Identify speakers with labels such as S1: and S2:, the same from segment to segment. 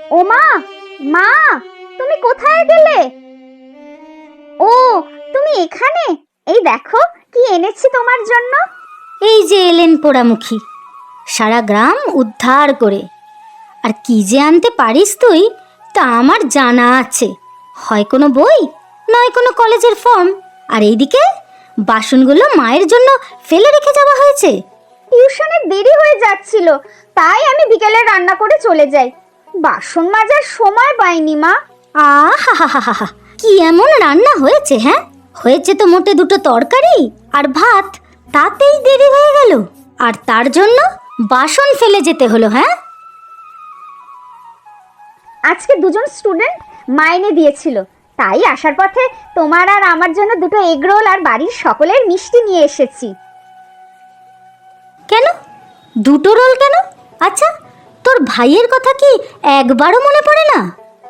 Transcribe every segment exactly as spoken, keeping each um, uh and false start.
S1: ও মা, মা, তুমি কোথায় গেলে? ও, তুমি এখানে? এই দেখো কি এনেছি তোমার জন্য।
S2: এই যে এলেন পোড়ামুখী, সারা গ্রাম উদ্ধার করে। আর কি যে আনতে পারিস তুই তা আমার জানা আছে। হয় কোনো বই, নয় কোনো কলেজের ফর্ম। আর এইদিকে বাসনগুলো মায়ের জন্য ফেলে রেখে যাওয়া হয়েছে।
S1: টিউশনের দেরি হয়ে যাচ্ছিল, তাই আমি বিকেলে রান্না করে চলে যাই। বাসন মাজার সময় পাইনি মা।
S2: আহা হা হা হা, কি এমন রান্না হয়েছে? হ্যাঁ, হয়েছে তো মোটে দুটো তরকারি আর ভাত, তাতেই দেরি হয়ে গেল। আর তার জন্য বাসন ফেলে যেতে হলো? হ্যাঁ,
S1: আজকে দুজন স্টুডেন্ট মাইনে দিয়েছিল, তাই আসার পথে তোমার আর আমার জন্য দুটো এগরোল আর বাড়ির সকলের মিষ্টি নিয়ে এসেছি।
S2: কেন দুটো রোল কেন? আচ্ছা, তোর ভাইয়ের কথা কি একবারও মনে পড়ে না?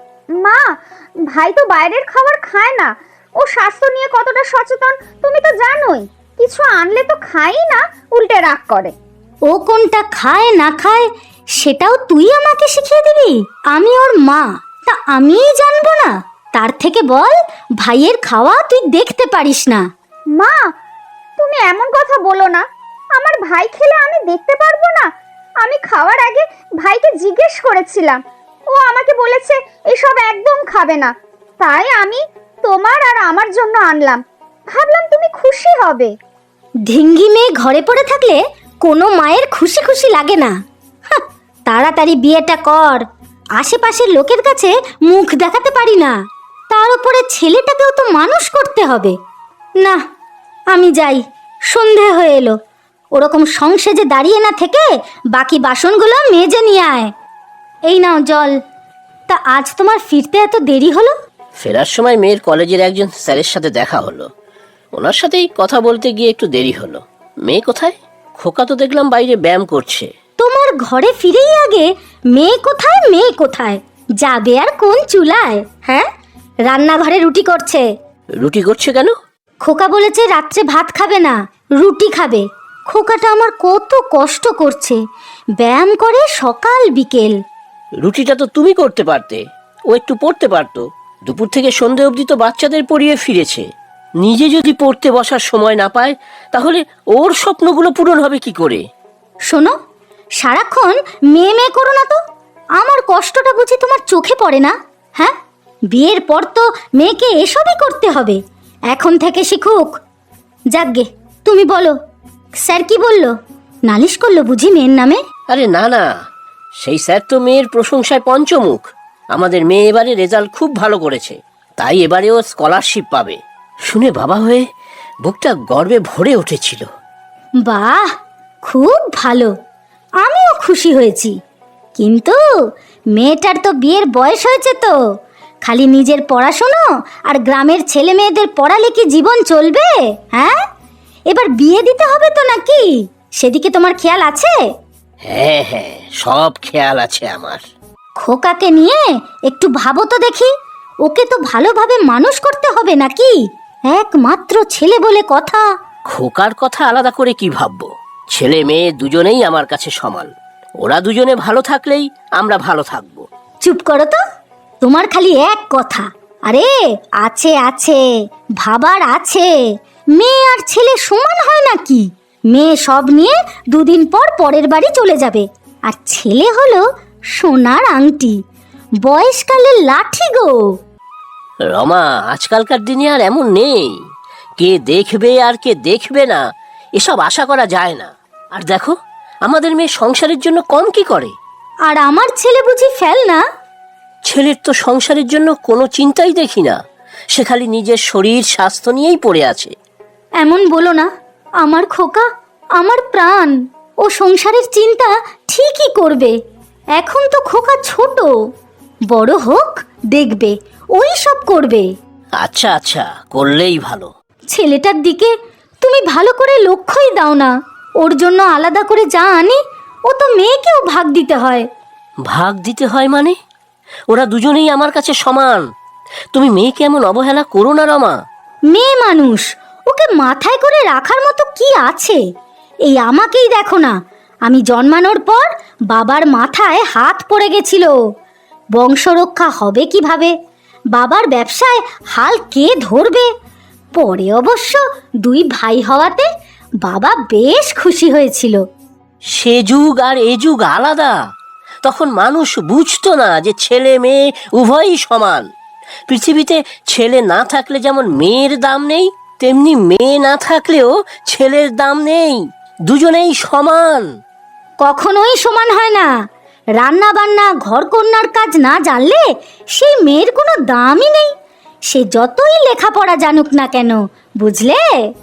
S1: মা, ভাই তো বাইরের খাবার খায় না। ও স্বাস্থ্য নিয়ে কতটা সচেতন তুমি তো জানোই। কিছু আনলে তো খাই না, উল্টে রাগ করে।
S2: ও কোনটা খায় না খায় সেটাও তুই আমাকে শিখিয়ে দিবি? আমি ওর মা, তা আমিই জানবো না? তার থেকে বল ভাইয়ের খাওয়া তুই দেখতে পারিস না।
S1: মা, তুমি এমন কথা বলো না। আমার ভাই খেলে আমি দেখতে পারবো না? আমি খাওয়ার আগে ভাইকে জিজ্ঞেস করেছিলাম, ও আমাকে বলেছে এসব একদম খাবে না। তাই আমি তোমার আর আমার জন্য আনলাম, ভাবলাম তুমি খুশি হবে।
S2: ঢিঙ্গি মেয়ে ঘরে পড়ে থাকলে কোনো মায়ের খুশি খুশি লাগে না। হাহ, তাড়াতাড়ি বিয়েটা কর। আশেপাশের লোকের কাছে মুখ দেখাতে পারি না, তার উপরে ছেলেটাকেও তো মানুষ করতে হবে। না, আমি যাই, সন্ধে হয়ে এলো। ওরকম সংসেজে দাঁড়িয়ে না থেকে বাকি বাসনগুলো মেজে নিয়ে আয়। এই নাও জল। তা আজ তোমার ফিরতে এত দেরি হলো?
S3: ফেরার সময় মেয়ের কলেজের একজন স্যারের সাথে দেখা হলো, ওনার সাথেই কথা বলতে গিয়ে একটু দেরি হলো। মেয়ে কোথায়? খোকা তো দেখলাম বাইরে ব্যায়াম করছে।
S2: তোমার ঘরে ফিরেই আগে মেয়ে কোথায় মেয়ে কোথায় যাবে আর কোন চুলায়? হ্যাঁ, রান্নাঘরে রুটি করছে।
S3: রুটি করছে কেন?
S2: খোকা বলেছে রাত্রে ভাত খাবে না, রুটি খাবে। খোকাটা আমার কত কষ্ট করছে, ব্যায়াম করে সকাল বিকেল।
S3: রুটিটা তো তুমি করতে পারতে, ও একটু পড়তে পারতো। দুপুর থেকে সন্ধে অবধি তো বাচ্চাদের পড়িয়ে ফিরেছে। নিজে যদি পড়তে বসার সময় না পায় তাহলে ওর স্বপ্নগুলো পূরণ হবে কি করে?
S2: শোনো, সারাক্ষণ মেয়ে মেয়ে করো না তো। আমার কষ্টটা বুঝি তোমার চোখে পড়ে না? হ্যাঁ, বিয়ের পর তো মেয়েকে এসবই করতে হবে, এখন থেকে শিখুক। যাকগে, তুমি বলো, স্যার কি বললো? নালিশ করলো বুঝি মেয়ের নামে?
S3: আরে না না, সেই স্যার তো মেয়ের প্রশংসায় পঞ্চমুখ। আমাদের মেয়ে এবারে রেজাল্ট খুব ভালো করেছে, তাই এবারে ও স্কলারশিপ পাবে। শুনে বাবা হয়ে বুকটা গর্বে ভরে উঠেছিল।
S2: বাহ, খুব ভালো, আমিও খুশি হয়েছি। কিন্তু মেয়েটার তো বিয়ের বয়স হয়েছে, তো খালি নিজের পড়াশোনা আর গ্রামের ছেলে মেয়েদের পড়ালে কি জীবন চলবে? হ্যাঁ, এবার বিয়ে দিতে হবে তো নাকি? সেদিকে তোমার খেয়াল আছে?
S3: হ্যাঁ হ্যাঁ, সব খেয়াল আছে আমার।
S2: খোকাকে নিয়ে একটু ভাবো তো দেখি, ওকে তো ভালোভাবে মানুষ করতে হবে নাকি? একমাত্র ছেলে বলে কথা।
S3: খোকার কথা আলাদা করে কি ভাববো? ছেলে মেয়ে দুজনেই আমার কাছে সমান। ওরা দুজনে ভালো থাকলেই আমরা ভালো থাকবো।
S2: চুপ করো তো, তোমার খালি এক কথা। আরে আছে আছে, ভাবার আছে। মেয়ে আর ছেলে সমান হয় নাকি? মেয়ে সব নিয়ে দুদিন পর পরের বাড়ি চলে যাবে, আর ছেলে হলো সোনার আংটি, বয়সকালের লাঠি গো।
S3: রমা, আজকালকার দিনে আর এমন নেই। কে দেখবে আর কে দেখবে না এসব আশা করা যায় না। আর দেখো, আমাদের মেয়ে সংসারের জন্য কম কি করে?
S2: আর আমার ছেলে বুঝি ফেল না?
S3: ছেলের তো সংসারের জন্য কোনো চিন্তাই দেখি না, সে খালি নিজের শরীর স্বাস্থ্য নিয়েই পড়ে আছে।
S2: এমন বলো না, আমার খোকা আমার প্রাণ। ও সংসারের চিন্তা ঠিকই করবে, এখন তো খোকা ছোট, বড় হোক দেখবে ওই সব করবে।
S3: আচ্ছা আচ্ছা, করলেই ভালো।
S2: ছেলেটার দিকে তুমি ভালো করে লক্ষ্যই দাও না। ওর জন্য আলাদা করে যা আনি ও তো মেয়েকেও ভাগ দিতে হয়।
S3: ভাগ দিতে হয় মানে? ওরা দুজনেই আমার কাছে সমান। তুমি মেয়েকে এমন অবহেলা করো না রমা।
S2: মেয়ে মানুষ, ওকে মাথায় করে রাখার মতো কি আছে? এই আমাকেই দেখো না, আমি জন্মানোর পর বাবার মাথায় হাত পড়ে গেছিল, বংশরক্ষা হবে কিভাবে, বাবার ব্যবসায় হাল কে ধরবে। পরে অবশ্য দুই ভাই হওয়াতে বাবা বেশ খুশি হয়েছিল।
S3: সে যুগ আর এ যুগ আলাদা। তখন মানুষ বুঝতো না যে ছেলে মেয়ে উভয়ই সমান। পৃথিবীতে ছেলে না থাকলে যেমন মেয়ের দাম নেই, তেমনি মেয়ে না থাকলেও ছেলের দাম নেই। দুজনেই সমান।
S2: কখনোই সমান হয় না। রান্না বান্না ঘর কন্যার কাজ না জানলে সেই মেয়ের কোনো দামই নেই, সে যতই লেখাপড়া জানুক না কেন, বুঝলে?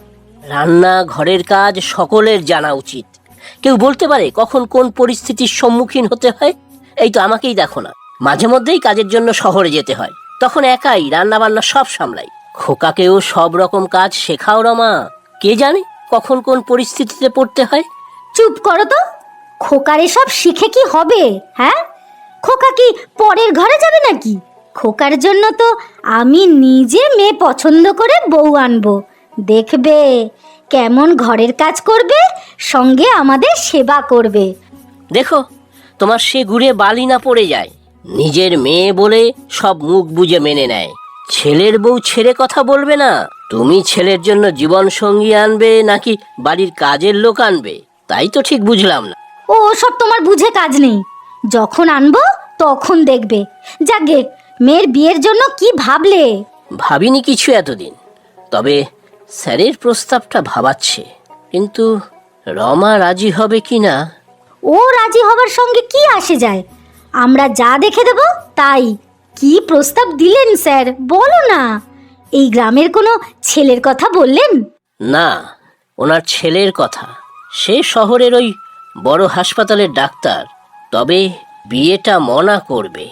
S3: রান্না ঘরের কাজ সকলের জানা উচিত। কেউ বলতে পারে কখন কোন পরিস্থিতির সম্মুখীন হতে হয়। এই তো আমাকেই দেখো না, মাঝে মধ্যেই কাজের জন্য শহরে যেতে হয়, তখন একাই রান্না বান্না সব সামলাই। খোকাকেও সব রকম কাজ শেখাও রমা। কে জানে কখন কোন পরিস্থিতিতে পড়তে হয়।
S2: চুপ করো তো। খোকার এসব শিখে কি হবে? হ্যাঁ, খোকা কি পরের ঘরে যাবে নাকি? খোকার জন্য তো আমি নিজে মেয়ে পছন্দ করে বউ আনবো। দেখবে কেমন ঘরের কাজ করবে, সঙ্গে আমাদের সেবা করবে।
S3: দেখো তোমার সে ঘুরে বালি না পড়ে যায়। নিজের মেয়ে বলে সব মুখ বুজে মেনে নেয়। ছেলের বউ ছেড়ে কথা বলবে না। তুমি ছেলের জন্য জীবন সঙ্গী আনবে নাকি বাড়ির কাজের লোক আনবে, তাই তো ঠিক বুঝলাম না।
S2: ও সব তোমার বুঝে কাজ নেই। যখন আনবো তখন দেখবে। যাগে, মেয়ের বিয়ের জন্য কি ভাবলে?
S3: ভাবিনি কিছু এতদিন, তবে স্যারের প্রস্তাবটা ভাবাচ্ছে। কিন্তু রমা রাজি হবে কি না।
S2: ও রাজি হবার সঙ্গে কি আসে যায়? আমরা যা দেখে দেব তাই। কি প্রস্তাব দিলেন স্যার, বলো না। এই গ্রামের কোনো ছেলের কথা বললেন?
S3: না, ওনার ছেলের কথা। সে শহরের ওই বড় হাসপাতালের ডাক্তার, তবে বিয়েটা মনা করবে।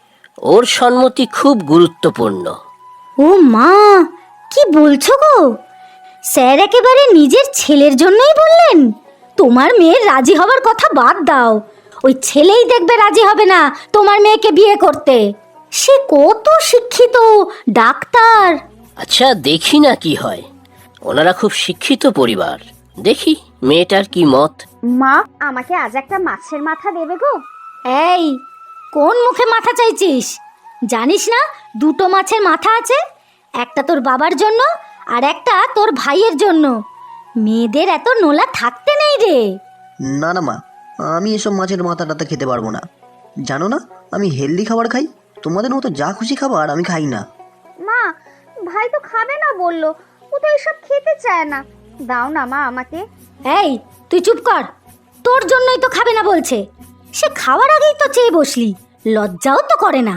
S3: ওর সম্মতি খুব গুরুত্বপূর্ণ।
S2: ও মা, কি বলছো গো? স্যার একেবারে নিজের ছেলের জন্যই বললেন? তোমার মেয়ের রাজি হবার কথা বাদ দাও। ওই ছেলেই দেখবে রাজি হবে না তোমার মেয়েকে বিয়ে করতে। সে কত শিক্ষিত ডাক্তার।
S3: আচ্ছা দেখি না কি হয়। ওনারা খুব শিক্ষিত পরিবার। দেখি মেয়েটার কি মত।
S1: মা, আমাকে আজ একটা মাছের মাথা দেবে গো?
S2: এই, কোন মুখে মাথা চাইছিস? জানিস না দুটো মাছের মাথা আছে, একটা তোর বাবার জন্য আর একটা তোর ভাইয়ের জন্য। মেয়েদের এত নোলা থাকতে নেই রে।
S4: না না মা, আমি এসব মাছের মাথা টাথা খেতে পারবো না। জানো না আমি হেলদি খাবার খাই, তোমাদের মতো যা খুশি খাবার আমি খাই না।
S1: মা, ভাই তো খাবে না বললো, ও তো এসব খেতে চায় না। দাও না মা আমাকে।
S2: এই তুই চুপ কর, তোর জন্যই তো খাবে না বলছে। সে খাওয়ার আগেই তো চেয়ে বসলি, লজ্জাও তো করে না।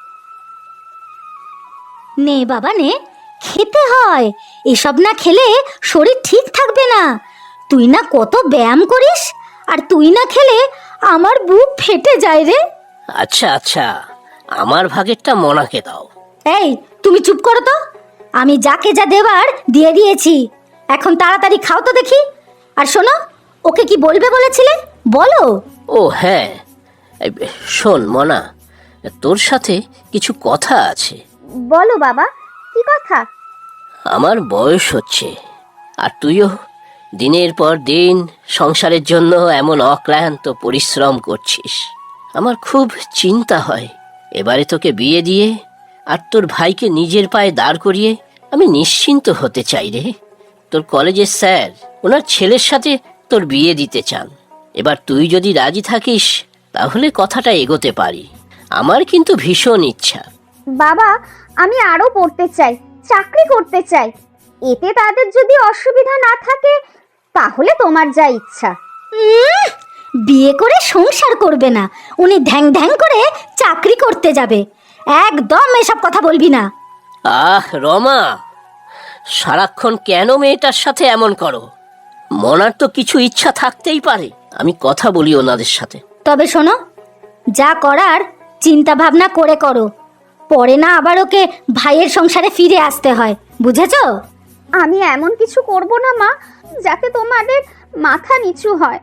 S2: নে বাবা নে, খেতে হয়। এসব না খেলে শরীর ঠিক থাকবে না। তুই না কত ব্যায়াম করিস, আর তুই না খেলে আমার বুক ফেটে যায় রে।
S3: আচ্ছা আচ্ছা, আমার ভাগেরটা মনাকে দাও।
S2: এই তুমি চুপ করো তো। আমি যাকে যা দেবার দিয়ে দিয়েছি, এখন তাড়াতাড়ি খাও তো দেখি। আর শোনো, ওকে কি বলবে বলেছিলে বলো।
S3: ও হ্যাঁ, এই, শোন মনা, তোর সাথে কিছু কথা আছে।
S1: বলো বাবা, কি কথা?
S3: আমার বয়স হচ্ছে, আর তুইও দিনের পর দিন সংসারের জন্য এমন অক্লান্ত পরিশ্রম করছিস। আমার খুব চিন্তা হয়। এবারে তোকে বিয়ে দিয়ে আর তোর ভাইকে নিজের পায়ে দাঁড় করিয়ে আমি নিশ্চিন্ত হতে চাই রে। তোর কলেজের স্যার ওনার ছেলের সাথে তোর বিয়ে দিতে চান। এবার তুই যদি রাজি থাকিস তাহলে কথাটা এগোতে পারি। আমার কিন্তু ভীষণ ইচ্ছা।
S1: বাবা, আমি আরো পড়তে চাই, চাকরি করতে চাই। এতে তাদের যদি অসুবিধা না থাকে তাহলে তোমার যা ইচ্ছা।
S2: উম, বিয়ে করে সংসার করবে না, উনি ধ্যাং ধ্যাং করে চাকরি করতে যাবে। একদম এসব কথা বলবি না।
S3: আহ রমা, সারাক্ষণ কেন মেয়েটার সাথে এমন করো? মনার তো কিছু ইচ্ছা থাকতেই পারে। আমি কথা বলি ওনাদের সাথে।
S2: তবে শোনো, যা করার চিন্তা ভাবনা করে করো, পরে না আবার ওকে ভাইয়ের সংসারে ফিরে আসতে হয়, বুঝেছো?
S1: আমি এমন কিছু করব না মা যাতে তোমাদের মাথা নিচু হয়।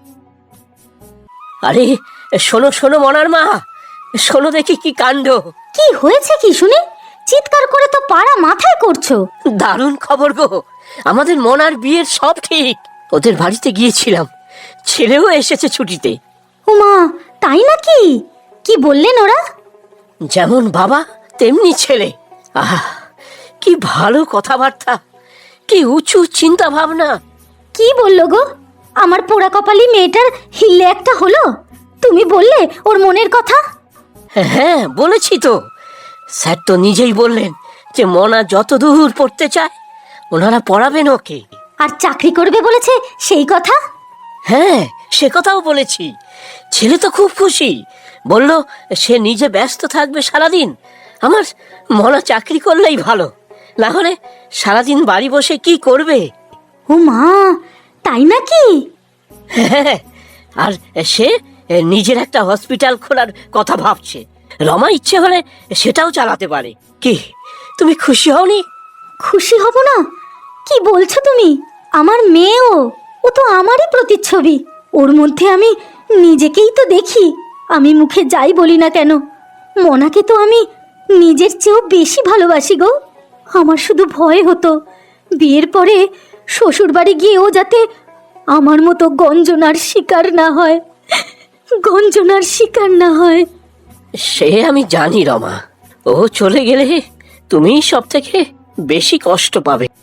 S3: আরে শোনো শোনো মনার মা, শোনো দেখি কি কাণ্ড।
S2: কি হয়েছে কি শুনি? চিৎকার করে তো পাড়া মাথায় করছো।
S3: দারুণ খবর গো, আমাদের মনার বিয়ের সব ঠিক। ওদের বাড়িতে গিয়েছিলাম, ছেলেও এসেছে ছুটিতে।
S2: উমা, তাই নাকি? কি বললেন ওরা?
S3: যেমন বাবা তেমনি ছেলে। আহা, কি ভালো কথাবার্তা, কি উঁচু চিন্তা ভাবনা।
S2: কি বললো গো? আমার পোড়া কপালি মেয়েটার হিল্লে একটা হলো। তুমি বললে ওর মনের কথা?
S3: হ্যাঁ বলেছি তো, স্যার তো নিজেই বললেন যে মনা যত দূর পড়তে চায় ওনারা পড়াবেন ওকে।
S2: আর চাকরি করবে বলেছে সেই কথা?
S3: হ্যাঁ সে কথাও বলেছি। ছেলে তো খুব খুশি, বলল সে নিজে ব্যস্ত থাকবে সারাদিন, আমার মনা চাকরি করলেই ভালো, না হলে সারাদিন বাড়ি বসে কি করবে।
S2: ও মা, তাই নাকি?
S3: হ্যাঁ, আর সে নিজের একটা হসপিটাল খোলার কথা ভাবছে। রমা ইচ্ছে হলে সেটাও চালাতে পারে। কি তুমি খুশি হওনি?
S2: খুশি হব না? কি বলছো তুমি? আমার মেয়েও, ও তো আমারই প্রতিচ্ছবি। ওর মধ্যে আমি নিজেকেই তো দেখি। আমি মুখে যাই বলি না কেন, মনাকে তো আমি নিজের চেয়েও বেশি ভালোবাসি গো। আমার শুধু ভয় হতো বিয়ের পরে শ্বশুর বাড়ি গিয়ে ও যাতে আমার মতো গঞ্জনার শিকার না হয়, গঞ্জনার শিকার না হয়।
S3: সে আমি জানি রমা, ও চলে গেলে তুমি সব থেকে বেশি কষ্ট পাবে।